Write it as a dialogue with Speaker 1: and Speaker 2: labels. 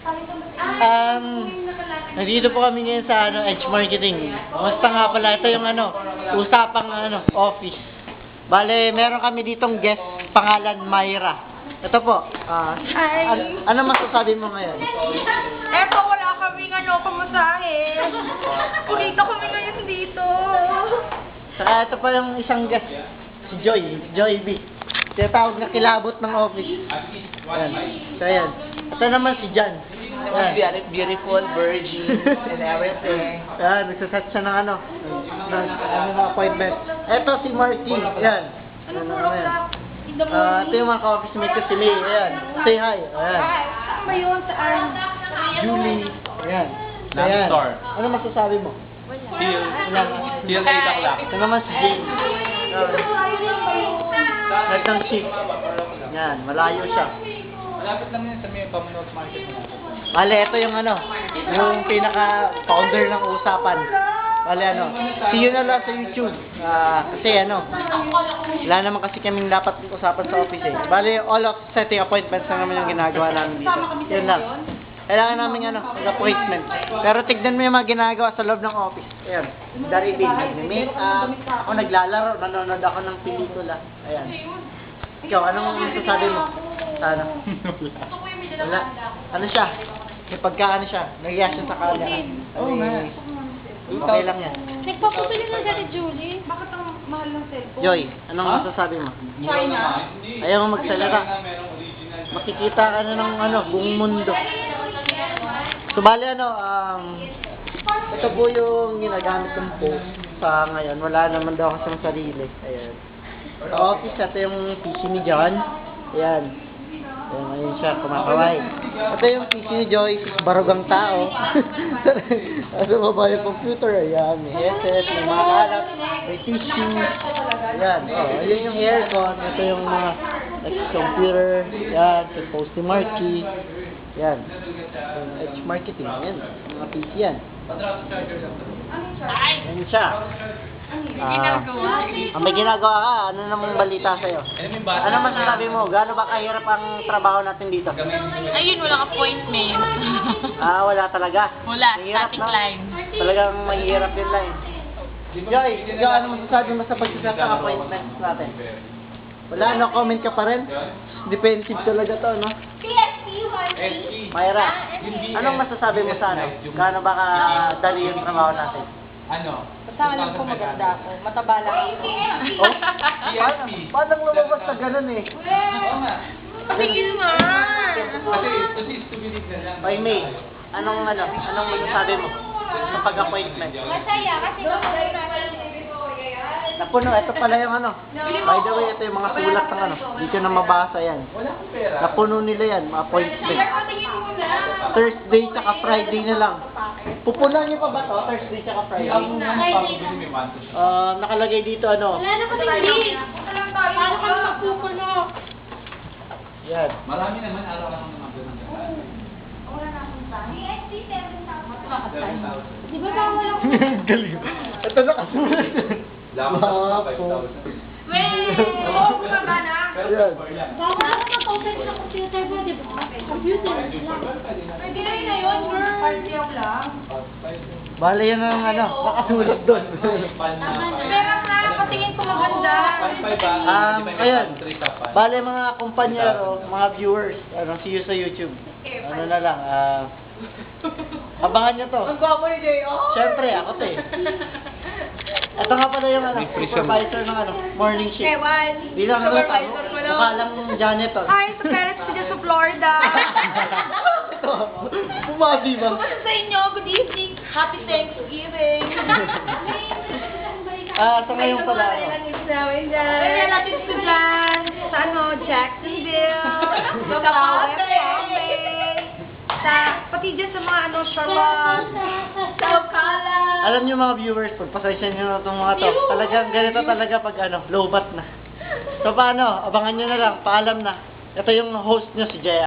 Speaker 1: Nandito po kami ngayon sa Edge Marketing. Basta nga pala, ito yung usapang office. Bale, meron kami ditong guest, pangalan Myra. Ito po. Ano masasabi mo ngayon?
Speaker 2: Eto, wala kaming pamasahe. Kulita kami ngayon dito.
Speaker 1: Saka ito pa yung isang guest, si Joy B. Tinatawag na kilabot ng office. Ayan. So, ayan. Ito naman si Jan.
Speaker 3: Beautiful, virgin, and everything.
Speaker 1: Ayan, nagsaset siya ng ng appointment. Ito si Marky. Ayan.
Speaker 2: Ano puro black? In the morning.
Speaker 1: Ito yung mga ka-office mate ko si May. Ayan. Say hi. Ayan.
Speaker 2: Ano ba yun? Saan?
Speaker 1: Julie. Ayan. So,
Speaker 3: Nami
Speaker 1: ayan.
Speaker 3: Store.
Speaker 1: Ano masasabi mo?
Speaker 3: Till 8 o'clock.
Speaker 1: Ito naman si Jane. Nagtang chick. Yan, malayo siya.
Speaker 3: Malapit lang yun sa may Commonwealth Market.
Speaker 1: Bale, ito yung yung pinaka-founder ng usapan. Bale, see you na lang sa YouTube. Kasi wala naman kasi kaming dapat usapan sa office eh. Bale, all of setting appointments na naman yung ginagawa namin dito. Yun lang. Kailangan namin mag-appointment. Pero tignan mo yung mga ginagawa sa loob ng office. Ayan. Dari din, nag-makeup. Ako naglalaro, nanonood ako ng pelikula. Ayan. Ikaw, anong masasabi mo? Sana. Wala. Ano siya? May pagkaano siya. Nagiya siya sa kanya.
Speaker 3: Oo nga.
Speaker 1: Okay lang yan.
Speaker 2: Nagpapabili na dati, Julie. Bakit ang mahal ng cellphone?
Speaker 1: Joy, anong masasabi mo?
Speaker 2: China?
Speaker 1: Ayaw mo magsalita. Makikita ka na ng buong mundo. So, bali ito po yung ginagamit kong post sa ngayon. Wala naman daw kasing sarili. Ayan. Sa office, ito yung PC ni John. Ayan. Ayan, ayun siya, kumakaway. Ito yung PC ni Joyce, barugang tao. Ano ba ba yung computer? Ayan, may headset, may mga kalat, may tissue. Ayan, ayun yung aircon. Ito yung mga computer. Ayan, yung post ni Marky. Ayan. Edge Marketing. Ayan, mga PC yan. Ayan siya. May ginagawa ka. Ano namang balita sa'yo? Ano masasabi mo? Gaano ba kahirap ang trabaho natin dito?
Speaker 4: Ayun, walang appointment.
Speaker 1: Wala talaga.
Speaker 4: Wala,
Speaker 1: Mahirap,
Speaker 4: static
Speaker 1: no?
Speaker 4: line.
Speaker 1: Talagang mahirap yun lang. Joy, ikaw ano masasabi mo sa pagsiset ng appointments natin? Wala, no comment ka pa rin? Defensive talaga to, no? Myra, anong masasabi mo sa gaano ba kadali yung trabaho natin?
Speaker 2: Basta alam ko maganda ako. Mataba lang ito.
Speaker 1: Paano lumabas sa ganun eh?
Speaker 4: Tingin mo.
Speaker 1: By May, anong masasabi mo sa pag-appointment?
Speaker 2: Masaya kasi
Speaker 1: Napuno, ito pala yung By the way, ito yung mga sulat ng Hindi ko na mabasa yan. Napuno nila yan, mga appointment. Thursday tsaka Friday na lang. Pupunan niyo pa ba to? Thursday tsaka Friday? Nakalagay dito
Speaker 2: wala na kasi hindi. Paano kami magpupuno?
Speaker 1: Yan.
Speaker 3: Marami naman araw-araw naman doon ang
Speaker 2: Wala na akong tayo. Di ba
Speaker 1: Galing. Ito nakasulat.
Speaker 3: Dapat sa 5,000.
Speaker 2: Wait! Oo, bumaba na.
Speaker 1: Ayan.
Speaker 2: Bawal ako mag-open sa computer mo, di ba? Computer lang. Pwede na yun na yun, girl. Party lang.
Speaker 1: Bale yan ang nakasulat doon.
Speaker 2: Pero nga, patingin ko maganda.
Speaker 1: Ayan. Bale mga kumpanyero, mga viewers, see you sa YouTube. Ano na lang, abangan nyo to.
Speaker 2: Ang gwapo ni Jay, oh!
Speaker 1: Siyempre, ako to eh. Ito nga pala yung supervisor ng morning shift.
Speaker 2: Ewan.
Speaker 1: Bilang
Speaker 2: Supervisor mo lang.
Speaker 1: mukha lang janitor.
Speaker 2: Hi, sa parents ko dyan sa Florida.
Speaker 1: Ito, bumabi ba?
Speaker 2: Kumusta sa inyo? Good evening. Happy Thanksgiving.
Speaker 1: Sa ngayon pala,
Speaker 2: Kaya natin si Jan sa Jacksonville, sa West Palm Bay, pati dyan sa mga Charlotte, sa Ocala.
Speaker 1: alam nyo mga viewers, pagpasensya nyo na itong mga to. Talagang ganito talaga pag low bat na. So paano, abangan nyo na lang, paalam na. Ito yung host nyo si Jaya.